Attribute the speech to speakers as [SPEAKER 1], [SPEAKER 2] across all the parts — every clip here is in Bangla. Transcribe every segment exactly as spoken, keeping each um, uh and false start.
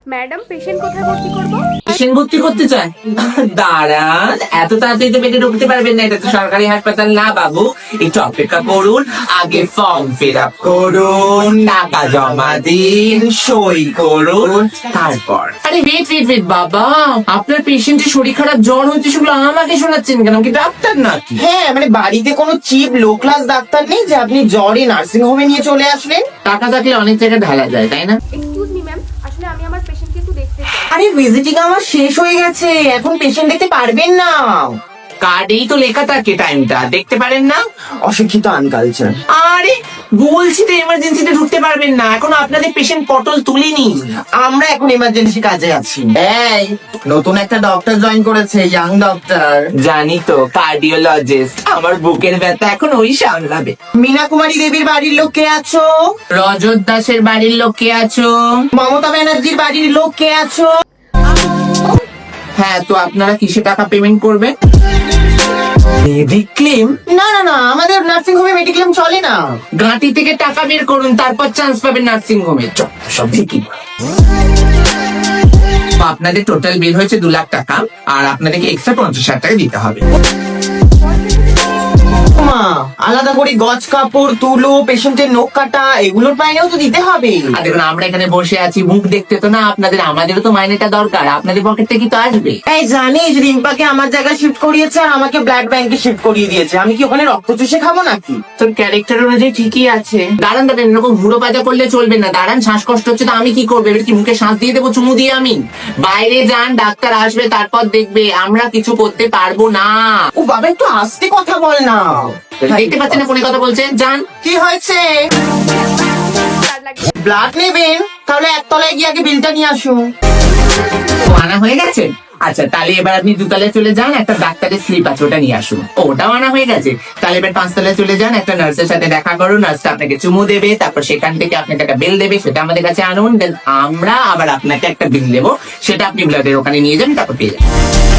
[SPEAKER 1] ম্যাডাম পেশেন্ট কোথায় ভর্তি করব?
[SPEAKER 2] পেশেন্ট ভর্তি করতে চায়? দাঁড়ান, এত তাড়াতাড়ি তো পেটে ঢুকতে পারবেন না, এটা তো সরকারি হাসপাতাল না বাবু। একটু অপেক্ষা করুন, আগে ফর্ম ফিল আপ করুন, টাকা জমা দিন, সই করুন, তারপর। আরে ওয়েট ওয়েট ওয়েট বাবা, আপনার পেশেন্টের শরীর খারাপ, জ্বর হচ্ছে, সেগুলো আমাকে শোনাচ্ছেন কেন? কি ডাক্তার নাকি?
[SPEAKER 3] হ্যাঁ, মানে বাড়িতে কোনো চিপ লো ক্লাস ডাক্তার নেই যে আপনি জ্বরে নার্সিং হোমে নিয়ে চলে আসলেন?
[SPEAKER 2] টাকা থাকলে অনেক জায়গায় ঢালা যায়, তাই না?
[SPEAKER 1] এক্সকিউজ মি ম্যাম, আসলে আমি আমার পেশেন্টকে একটু দেখতে চাই।
[SPEAKER 3] আরে ভিজিটিং আমার শেষ হয়ে গেছে, এখন পেশেন্ট দেখতে পারবেন না।
[SPEAKER 2] কার্ডেই তো লেখা থাকে টাইমটা, দেখতে পারেন না?
[SPEAKER 3] অশিক্ষিত আনকালচার।
[SPEAKER 2] আরে বলছি তো এমার্জেন্সিতে ঢুকতে পারবেন না, এখন আপনাদের পেশেন্ট পটল তুলিনি।
[SPEAKER 3] আমরা এখন ইমার্জেন্সি কাজে আছি। এই নতুন একটা ডক্টর জয়েন করেছে, ইয়াং ডক্টর।
[SPEAKER 2] জানি তো, কার্ডিওলজিস্ট। আমার বুকের ব্যথা এখন ওই সামলাবে।
[SPEAKER 3] মীনা কুমারী দেবীর বাড়ির লোক কে আছো?
[SPEAKER 2] রজত দাসের বাড়ির লোক কে আছো?
[SPEAKER 3] মমতা ব্যানার্জির বাড়ির লোক কে আছো?
[SPEAKER 2] হ্যাঁ, তো আপনারা কিসে টাকা পেমেন্ট করবেন? মেডিক্লেম?
[SPEAKER 3] না না না, আমাদের নার্সিং হোমে মেডিক্লেম চলে না।
[SPEAKER 2] গাঁটি থেকে টাকা বের করুন, তারপর চান্স পাবেন নার্সিং হোমে। সব ঠিকই। আপনাদের টোটাল বিল হয়েছে দু লাখ টাকা, আর আপনাদেরকে এক্সট্রা পঞ্চাশ হাজার টাকা দিতে হবে।
[SPEAKER 3] মা, আলাদা করে গজ কাপড়, তুলো, পেশেন্টের নখ কাটা, এগুলোর মাইনেও তো দিতে হবে।
[SPEAKER 2] আর দেখুন, আমরা এখানে বসে আছি, মুখ দেখতে তো না আপনাদের, আমাদেরও তো মাইনেটা দরকার, আপনাদের পকেট থেকে তো আসবে।
[SPEAKER 3] এই জানিস, রিম্পাকে আমার জায়গায় শিফট করিয়েছে আর আমাকে ব্লাড ব্যাংকে শিফট করিয়ে দিয়েছে। আমি কি ওখানে রক্ত চুষে খাবো নাকি?
[SPEAKER 2] তোর ক্যারেক্টার অনুযায়ী ঠিকই আছে। দাঁড়ান দাঁড়ান, এরকম হুড়ো পাজা করলে চলবে না। দাঁড়ান, শ্বাসকষ্ট হচ্ছে তো আমি কি করবো? এবার কি মুখে শ্বাস দিয়ে দেবো চুমু দিয়ে? আমি বাইরে যান, ডাক্তার আসবে, তারপর দেখবে। আমরা কিছু করতে পারবো না।
[SPEAKER 3] ও বাবা, একটু আস্তে কথা বল না।
[SPEAKER 2] দেখতে পাচ্ছেন না ফোনে কথা বলছেন? যান।
[SPEAKER 3] কি হয়েছে?
[SPEAKER 1] ব্লাড লাগবে।
[SPEAKER 3] ব্লাড নেবেন? তাহলে একতলায় গিয়ে আগে বিলটা নিয়ে আসুন।
[SPEAKER 2] ও, আনা হয়ে গেছে? আচ্ছা, তাহলে এবার আপনি দুতলায় চলে যান, একটা ডাক্তারের স্লিপ আছে, ওটা নিয়ে আসুন। ও, ওটাও আনা হয়ে গেছে? তাহলে এবার পাঁচতলায় চলে যান, একটা নার্সের সাথে দেখা করুন, নার্সটা আপনাকে চুমু দেবে, তারপর সেখান থেকে আপনাকে একটা বিল দেবে, সেটা আমাদের কাছে আনুন, দেন আমরা আবার আপনাকে একটা বিল দেবো, সেটা আপনি ব্লাডের ওখানে নিয়ে যান, তারপর পেয়ে যান।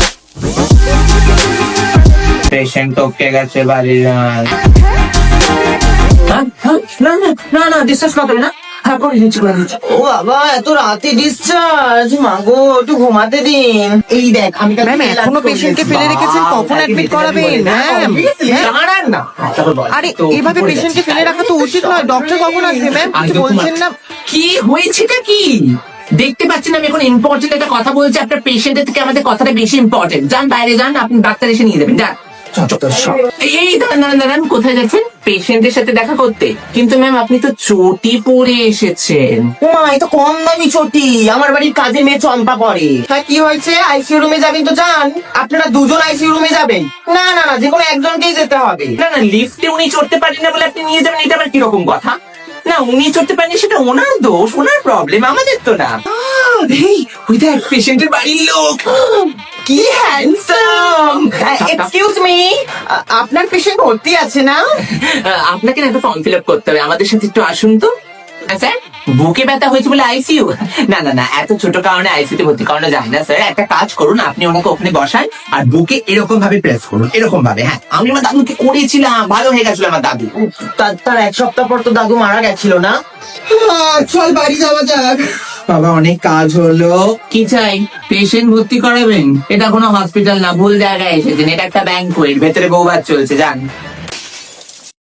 [SPEAKER 2] পেশেন্ট টপকে গেছে বাড়ি যান। হ্যাঁ, হ্যাঁ, না না না না, ডিসচার্জ করতে হবে না। হ্যাঁ, করে দিচ্ছি করে দিচ্ছি।
[SPEAKER 3] ও বাবা, এত রাতে ডিসচার্জ? মাগো, একটু ঘুমাতে দিন। এই দেখ, আমি
[SPEAKER 4] ম্যাম, এখনো পেশেন্টকে ফেলে রেখেছেন, কখন অ্যাডমিট করাবেন? ম্যাম,
[SPEAKER 2] দাঁড়ান না।
[SPEAKER 4] আরে এভাবে পেশেন্টকে ফেলে রাখা তো উচিত নয়। ডক্টর কখন আসবে ম্যাম? কিছু বলছেন না?
[SPEAKER 2] কি হয়েছেটা কি দেখতে পাচ্ছেন? আমি এখন ইম্পর্টেন্ট একটা কথা বলছি, আপনার পেশেন্টের থেকে আমাদের কথাটা বেশি ইম্পর্টেন্ট। যান বাইরে যান, আপনি ডাক্তার এসে নিয়ে যাবেন, যান। এই এই দাঁড়ান দাঁড়ান দাঁড়ান, কোথায় যাচ্ছেন? পেশেন্টের সাথে দেখা করতে? কিন্তু ম্যাম, আপনি তো চটি পরে এসেছেন।
[SPEAKER 3] মা, এই তো কম দামি চটি, আমার বাড়ির কাজের মেয়ে চম্পা পরে। হ্যাঁ, কি হয়েছে? আইসিইউ রুমে যাবেন তো যান। আপনারা দুজন আইসিইউ রুমে যাবেন? না না না, যে কোনো একজনকেই যেতে হবে।
[SPEAKER 2] না না, লিফটে উনি চড়তে পারেন না বলে আপনি নিয়ে যাবেন, এটা আবার কিরকম কথা? না, উনি চড়তে পারেন, সেটা ওনার দোষ, ওনার প্রবলেম, আমাদের তো না। এই, ওই দেখ, পেশেন্টের বাড়ির লোক।
[SPEAKER 3] কি হ্যান্ডসাম! এক্সকিউজ মি, আপনার পেশেন্ট ভর্তি আছে না?
[SPEAKER 2] আহ, আপনাকে না একটা ফর্ম ফিল আপ করতে হবে, আমাদের সাথে একটু আসুন তো। হ্যাঁ, স্যার, বুকে ব্যথা হয়েছে বলে আইসিইউ? না না না, এত ছোট কারণে আইসিইউ তে ভর্তি করানো যায় না স্যার। একটা কাজ করুন, আপনি ওনাকে ওখানে বসান আর বুকে এরকম ভাবে প্রেস করুন, এরকম ভাবে। হ্যাঁ, আমি আমার দাদুকে করেছিলাম, ভালো হয়ে গেছিল আমার দাদু।
[SPEAKER 3] তার তার এক সপ্তাহ পর তো দাদু মারা গেছিল না? চল বাড়ি যাওয়া যাক।
[SPEAKER 2] বাবা, অনেক কাজ হলো। কি চাই? পেশেন্ট ভর্তি করাবেন? এটা কোনো হসপিটাল না, ভুল জায়গায় এসেছেন, এটা একটা ব্যাংকুয়েট, ভেতরে বউভাত চলছে, যান।